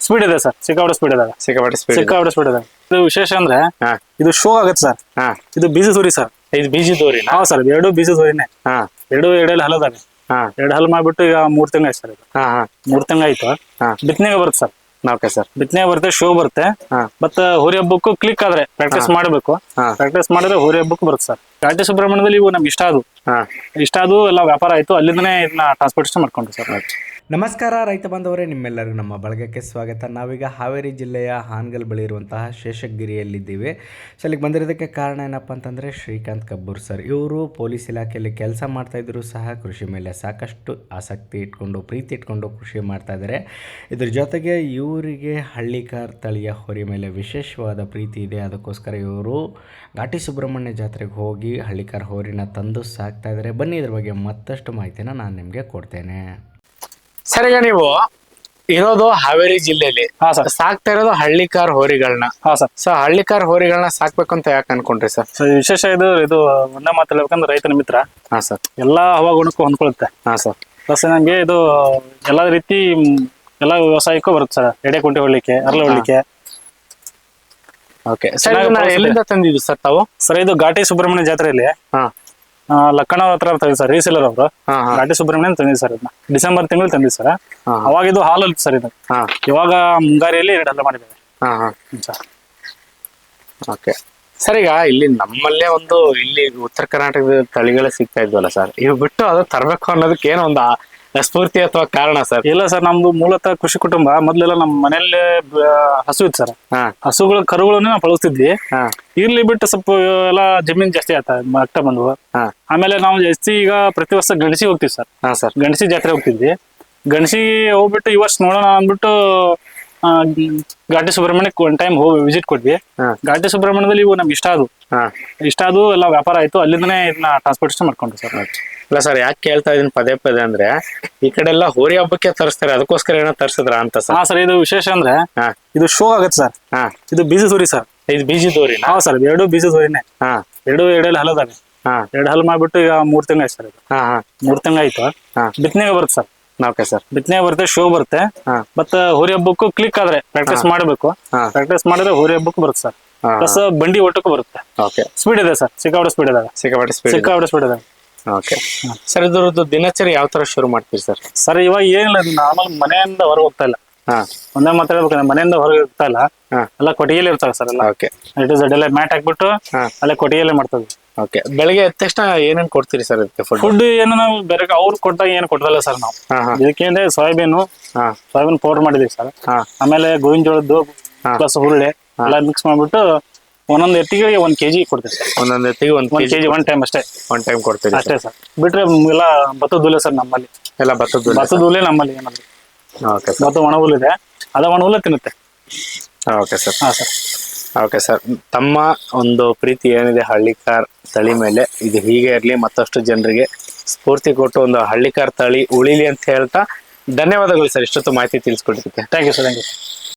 Speed ಇದೆ sir, ಸಿಕ್ಕಾಪಟ್ಟೆ speed ಇದೆ. ಸಿಕ್ಕಾಪಟ್ಟೆ ಸ್ಪೀಡ್ ಇದೆ. ಇದು ವಿಶೇಷ ಅಂದ್ರೆ ಇದು ಶೋ ಆಗುತ್ತೆ ಸರ್. ಇದು ಬೀಜ ಸೂರಿ ಸರ್. ಇದು ಬೀಜದೋರಿ? ಹಾ ಸರ್, ಎರಡು ಬೀಜ ಸೂರಿನೇ. ಎರಡು ಹಲದಾವೆ. ಎರಡು ಹಲ್ ಮಾಡ್ಬಿಟ್ಟು ಈಗ 3 ತಿಂಗಳು ಆಯ್ತು ಸರ್. ಇದು 3 ತಿಂಗಳು ಆಯ್ತು. ಬಿತ್ತನೆಗೆ ಬರುತ್ತೆ ಸರ್. ಓಕೆ ಸರ್, ಬಿತ್ತನೆ ಬರುತ್ತೆ, ಶೋ ಬರುತ್ತೆ. ಮತ್ತ ಹೋರಿ ಹಬ್ಬಕ್ಕೂ ಕ್ಲಿಕ್ ಆದ್ರೆ ಪ್ರಾಕ್ಟೀಸ್ ಮಾಡಬೇಕು. ಪ್ರಾಕ್ಟೀಸ್ ಮಾಡಿದ್ರೆ ಹೋರಿ ಹಬ್ಬಕ್ಕೂ ಬರುತ್ತೆ ಸರ್. ಘಾಟಿ ಸುಬ್ರಹ್ಮಣ್ಯದಲ್ಲಿ ಇವು ನಮ್ಗೆ ಇಷ್ಟ ಆದವು ಎಲ್ಲ ವ್ಯಾಪಾರ ಆಯ್ತು. ಅಲ್ಲಿಂದನೇ ಇದನ್ನ ಟ್ರಾನ್ಸ್ಪೋರ್ಟೇಷನ್ ಮಾಡ್ಕೊಂಡ್ರು ಸರ್. ನಮಸ್ಕಾರ ರೈತ ಬಾಂಧವರೇ, ನಿಮ್ಮೆಲ್ಲರಿಗೂ ನಮ್ಮ ಬಳಗಕ್ಕೆ ಸ್ವಾಗತ. ನಾವೀಗ ಹಾವೇರಿ ಜಿಲ್ಲೆಯ ಹಾನಗಲ್ ಬಳಿ ಇರುವಂತಹ ಶೇಷಗಿರಿಯಲ್ಲಿದ್ದೀವಿ. ಸೊ ಇಲ್ಲಿಗೆ ಬಂದಿರೋದಕ್ಕೆ ಕಾರಣ ಏನಪ್ಪ ಅಂತಂದರೆ ಶ್ರೀಕಾಂತ್ ಕಬ್ಬೂರ್ ಸರ್. ಇವರು ಪೊಲೀಸ್ ಇಲಾಖೆಯಲ್ಲಿ ಕೆಲಸ ಮಾಡ್ತಾಯಿದ್ರು ಸಹ ಕೃಷಿ ಮೇಲೆ ಸಾಕಷ್ಟು ಆಸಕ್ತಿ ಇಟ್ಕೊಂಡು ಪ್ರೀತಿ ಇಟ್ಕೊಂಡು ಕೃಷಿ ಮಾಡ್ತಾಯಿದ್ದಾರೆ. ಇದ್ರ ಜೊತೆಗೆ ಇವರಿಗೆ ಹಳ್ಳಿಕಾರ್ ತಳಿಯ ಹೋರಿ ಮೇಲೆ ವಿಶೇಷವಾದ ಪ್ರೀತಿ ಇದೆ. ಅದಕ್ಕೋಸ್ಕರ ಇವರು ಘಾಟಿ ಸುಬ್ರಹ್ಮಣ್ಯ ಜಾತ್ರೆಗೆ ಹೋಗಿ ಹಳ್ಳಿಕಾರ್ ಹೋರಿನ ತಂದು ಸಾಕ್ತಾ ಇದ್ದಾರೆ. ಬನ್ನಿ ಇದ್ರ ಬಗ್ಗೆ ಮತ್ತಷ್ಟು ಮಾಹಿತಿನ ನಾನು ನಿಮಗೆ ಕೊಡ್ತೇನೆ. ಸರ್, ಈಗ ನೀವು ಇರೋದು ಹಾವೇರಿ ಜಿಲ್ಲೆಯಲ್ಲಿ. ಸಾಕ್ತಾ ಇರೋದು ಹಳ್ಳಿಕಾರ್ ಹೋರಿಗಳನ್ನ. ಸೊ ಹಳ್ಳಿಕಾರ್ ಹೋರಿಗಳನ್ನ ಸಾಕ್ಬೇಕು ಅಂತ ಯಾಕೆ ಅನ್ಕೊಂಡ್ರಿ ಸರ್? ವಿಶೇಷ ಇದು ಒಂದೇ ಮಾತು ಹೇಳ್ಬೇಕಂದ್ರೆ ರೈತನ ಮಿತ್ರ. ಸರ್, ಎಲ್ಲಾ ಹವಾಗುಣಕ್ಕೂ ಹೊಂದ್ಕೊಳುತ್ತೆ. ಸರ್, ಪ್ಲಸ್ ನಂಗೆ ಇದು ಎಲ್ಲಾ ರೀತಿ ಎಲ್ಲಾ ವ್ಯವಸಾಯಕ್ಕೂ ಬರುತ್ತೆ ಸರ್. ಎಡೆ ಕುಂಟೆ ಹೊಡ್ಲಿಕ್ಕೆ, ಅರಳು ಹೊಡ್ಲಿಕ್ಕೆ. ಓಕೆ ಸರ್, ಎಲ್ಲಿಂದ ತಂದಿದ್ದು ಸರ್ ತಾವು? ಸರ್, ಇದು ಘಾಟಿ ಸುಬ್ರಹ್ಮಣ್ಯ ಜಾತ್ರೆಯಲ್ಲಿ ಲಕ್ಕಣ ಹತ್ರ ತಂದಿದ್ದು ಸರ್. ರೀಸೇಲರ್ ಅವರು ಘಾಟಿ ಸುಬ್ರಹ್ಮಣ್ಯ ತಂದಿದ್ದು ಸರ್. ಇದನ್ನ ಡಿಸೆಂಬರ್ ತಿಂಗಳು ತಂದಿದ್ದು ಸರ್. ಅವಾಗ ಇದು ಹಾಲಲ್ಲಿ ಸರ್. ಇದು ಇವಾಗ ಮುಂಗಾರಿಯಲ್ಲಿ 2 ಹಲ್ಲ ಮಾಡಿದ್ದೇವೆ. ಓಕೆ ಸರ್, ಈಗ ಇಲ್ಲಿ ನಮ್ಮಲ್ಲೇ ಇಲ್ಲಿ ಉತ್ತರ ಕರ್ನಾಟಕದ ತಳಿಗಳೇ ಸಿಗ್ತಾ ಇದ್ವಲ್ಲ ಸರ್, ಇವು ಬಿಟ್ಟು ಅದು ತರಬೇಕು ಅನ್ನೋದಕ್ಕೆ ಏನೋ ಒಂದು ಸ್ಫೂರ್ತಿ ಅಥವಾ ಕಾರಣ ಸರ್? ಇಲ್ಲ ಸರ್, ನಮ್ದು ಮೂಲತಃ ಕೃಷಿ ಕುಟುಂಬ. ಮೊದ್ಲೆಲ್ಲ ನಮ್ಮ ಮನೆಯಲ್ಲೇ ಹಸು ಇತ್ತು ಸರ್. ಕರುಗಳನ್ನ ನಾವು ಬಳಸ್ತಿದ್ವಿ. ಇರ್ಲಿ ಬಿಟ್ಟು ಸ್ವಲ್ಪ ಎಲ್ಲ ಜಮೀನ್ ಜಾಸ್ತಿ ಆಗ್ತಾ ಬಂದ್ವು. ಆಮೇಲೆ ನಾವು ಜಾಸ್ತಿ ಈಗ ಪ್ರತಿ ವರ್ಷ ಗಣಸಿ ಹೋಗ್ತೀವಿ ಸರ್. ಗಣಸಿ ಜಾತ್ರೆ ಹೋಗ್ತಿದ್ವಿ. ಗಣಸಿ ಹೋಗ್ಬಿಟ್ಟು ಈ ವರ್ಷ ನೋಡೋಣ ಅಂದ್ಬಿಟ್ಟು ಘಾಟಿ ಸುಬ್ರಹ್ಮಣ್ಯಕ್ಕೆ 1 ಟೈಮ್ ಹೋಗಿ ವಿಸಿಟ್ ಕೊಟ್ವಿ. ಘಾಟಿ ಸುಬ್ರಹ್ಮಣ್ಯದಲ್ಲಿ ಇವು ನಮ್ಗೆ ಇಷ್ಟ ಆದವು ಎಲ್ಲ ವ್ಯಾಪಾರ ಆಯ್ತು. ಅಲ್ಲಿಂದನೇ ಇದನ್ನ ಟ್ರಾನ್ಸ್ಪೋರ್ಟೇಷನ್ ಮಾಡ್ಕೊಂಡ್ರು ಸರ್. ಇಲ್ಲ ಸರ್, ಯಾಕೆ ಕೇಳ್ತಾ ಇದೀನಿ ಪದೇ ಅಂದ್ರೆ ಈ ಕಡೆ ಎಲ್ಲ ಹೋರಿ ಹಬ್ಬಕ್ಕೆ ತರಿಸ್ತಾರೆ, ಅದಕ್ಕೋಸ್ಕರ ಏನೋ ತರಿಸಿದ್ರ ಅಂತ ಸರ್? ಸರ್, ಇದು ವಿಶೇಷ ಅಂದ್ರೆ ಇದು ಶೋ ಆಗುತ್ತೆ ಸರ್. ಇದು ಬೀಜ ಸೂರಿ ಸರ್. ಇದು ಬೀಜದೋರಿ? ಸರ್, ಎರಡು ಬೀಜ ಸೂರಿನೇ. ಎರಡು ಹಲದಾವೆ. ಎರಡು ಹಲ್ ಮಾಡ್ಬಿಟ್ಟು ಈಗ 3 ತಿಂಗಳು ಆಯ್ತು ಸರ್. ಇದು 3 ತಿಂಗಳು ಆಯ್ತು. ಬಿತ್ತನೆಗೆ ಬರುತ್ತೆ ಸರ್. ಓಕೆ ಸರ್, ಬಿತ್ತನೆ ಬರುತ್ತೆ, ಶೋ ಬರುತ್ತೆ. ಮತ್ತ ಹೋರಿ ಹಬ್ಬಕ್ಕೂ ಕ್ಲಿಕ್ ಆದ್ರೆ ಪ್ರಾಕ್ಟೀಸ್ ಮಾಡಬೇಕು. ಪ್ರಾಕ್ಟೀಸ್ ಮಾಡಿದ್ರೆ ಹೋರಿ ಹಬ್ಬಕ್ಕೂ ಬರುತ್ತೆ ಸರ್. ಪ್ಲಸ್ ಬಂಡಿ ಒಟ್ಟಕ್ಕೂ ಬರುತ್ತೆ. ಓಕೆ, ಸ್ಪೀಡ್ ಇದೆ ಸರ್, ಸಿಕ್ಕಾಪಟ್ಟೆ ಸ್ಪೀಡ್ ಇದೆ. ಸಿಕ್ಕಾಪಟ್ಟೆ ಸ್ಪೀಡ್ ಇದೆ. ಓಕೆ ಸರ್, ಇದ್ರದ್ದು ದಿನಚರಿ ಯಾವ ತರ ಶುರು ಮಾಡ್ತೀರಿ ಸರ್? ಸರ್, ಇವಾಗ ಏನಿಲ್ಲ, ನಾರ್ಮಲ್ ಮನೆಯಿಂದ ಹೊರಗೆ ಹೋಗ್ತಾ ಇಲ್ಲ. ಒಂದೇ ಮಾತಾಡ್ಬೇಕಂದ್ರೆ ಮನೆಯಿಂದ ಹೊರಗೆ ಹೋಗ್ತಾ ಇಲ್ಲ. ಎಲ್ಲ ಕೊಟ್ಟಿಗೆಯಲ್ಲಿ ಇರ್ತಾರೆ ಸರ್. ಎಲ್ಲ ಓಕೆ, ಇಟ್ ಇಸ್ ಎಲ್ಲ ಮ್ಯಾಟ್ ಹಾಕ್ಬಿಟ್ಟು ಅಲ್ಲೇ ಕೊಟ್ಟಿಗೆಯಲ್ಲೇ ಮಾಡ್ತದೆ. ಓಕೆ, ಬೆಳಿಗ್ಗೆ ಎದ್ದ ತಕ್ಷಣ ಏನೇನ್ ಕೊಡ್ತೀರಿ ಸರ್ ಇದಕ್ಕೆ? ಫುಡ್ ಏನು ನಾವು ಬೇರೆ ಅವ್ರು ಕೊಟ್ಟಾಗ ಏನು ಕೊಡ್ತಲ್ಲ ಸರ್. ನಾವು ಇದಕ್ಕೆ ಸೋಯಾಬೀನ್ ಪೌಡರ್ ಮಾಡಿದೀವಿ ಸರ್. ಆಮೇಲೆ ಗೋವಿನ ಜೋಳದ್ದು ಪ್ಲಸ್ ಹುರುಳಿ ಎಲ್ಲ ಮಿಕ್ಸ್ ಮಾಡ್ಬಿಟ್ಟು ಒಂದೊಂದು ಎತ್ತಿಗೆ 1 kg ಕೊಡ್ತೀವಿ ಸರ್. ಒಂದೊಂದು ಎತ್ತಿಗೆ 1 kg 1 ಟೈಮ್ ಅಷ್ಟೇ. 1 ಟೈಮ್ ಕೊಡ್ತೀವಿ ಅಷ್ಟೇ ಸರ್. ಬಿಟ್ರೆ ಎಲ್ಲ ಭತ್ತದ ಹುಲ್ಲೆ ಸರ್ ನಮ್ಮಲ್ಲಿ. ಎಲ್ಲ ಭತ್ತದ ಹುಲ್ಲೆ ನಮ್ಮಲ್ಲಿ. ಏನಾದ್ರು ಓಕೆ, ಭತ್ತ ಒಣ ಹುಲ್ಲಿದೆ, ಅದ ಒಣ ಹುಲ್ಲೆ ತಿನ್ನುತ್ತೆ. Okay sir. Sir, okay sir, ತಮ್ಮ ಒಂದು ಪ್ರೀತಿ ಏನಿದೆ ಹಳ್ಳಿಕಾರ್ ತಳಿ ಮೇಲೆ, ಇದು ಹೀಗೆ ಇರಲಿ, ಮತ್ತಷ್ಟು ಜನರಿಗೆ ಸ್ಫೂರ್ತಿ ಕೊಟ್ಟು ಒಂದು ಹಳ್ಳಿಕಾರ್ ತಳಿ ಉಳಿಲಿ ಅಂತ ಹೇಳ್ತಾ ಧನ್ಯವಾದಗಳು ಸರ್. ಇಷ್ಟೊತ್ತು ಮಾಹಿತಿ ತಿಳಿಸ್ಕೊಟ್ಟಿದ್ದಕ್ಕೆ. Thank you sir. Thank you.